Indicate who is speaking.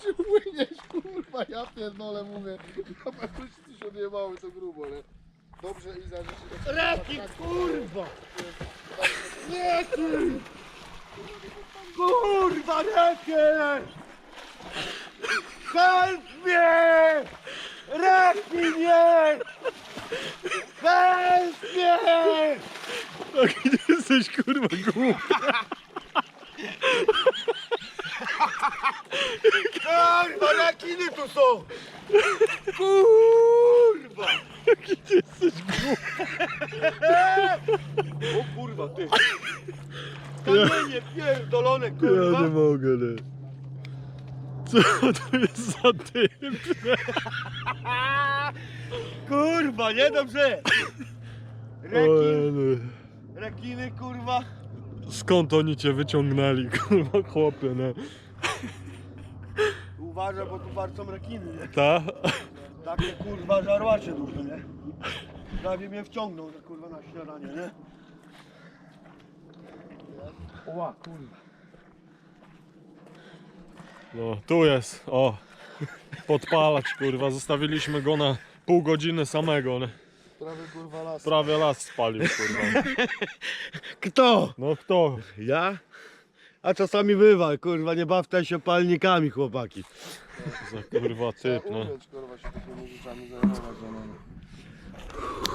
Speaker 1: upłyniesz, kurwa, ja pierdolę, mówię. Na pewno ci się odjebały to grubo, ale dobrze i za życie.
Speaker 2: Reki, kurwa! Nie, ty! Kurwa, reki! Help mnie! Reki, nie! Help mnie!
Speaker 3: Taki ty jesteś kurwa głupi.
Speaker 2: Kurwa, rekiny tu są! Kurwa!
Speaker 3: Jaki ty jesteś głupi.
Speaker 2: O kurwa, ty! Kamienie pierdolone,
Speaker 3: Ja
Speaker 2: kurwa!
Speaker 3: nie mogę, nie. Co to jest za typ?
Speaker 2: Kurwa, niedobrze! Rekin,
Speaker 3: Ojej.
Speaker 2: rekiny, kurwa!
Speaker 3: Skąd oni cię wyciągnęli, kurwa chłopie, nie?
Speaker 2: Uważaj, bo tu bardzo rekiny, nie?
Speaker 3: Ta?
Speaker 2: Takie kurwa żarłacze duże, nie? Prawie mnie wciągnął, że kurwa na śniadanie, nie? Oła, kurwa.
Speaker 3: No, tu jest, o. Podpalacz, kurwa, zostawiliśmy go na pół godziny samego, nie?
Speaker 1: Prawie kurwa las.
Speaker 3: Prawie las spalił, kurwa.
Speaker 2: Kto?
Speaker 3: No kto?
Speaker 2: Ja? A czasami bywa, kurwa, nie bawcie się palnikami, chłopaki.
Speaker 3: Za kurwa typ,
Speaker 1: Trzeba
Speaker 3: no.
Speaker 1: umieć, kurwa, się takimi rzeczami zajmować, no.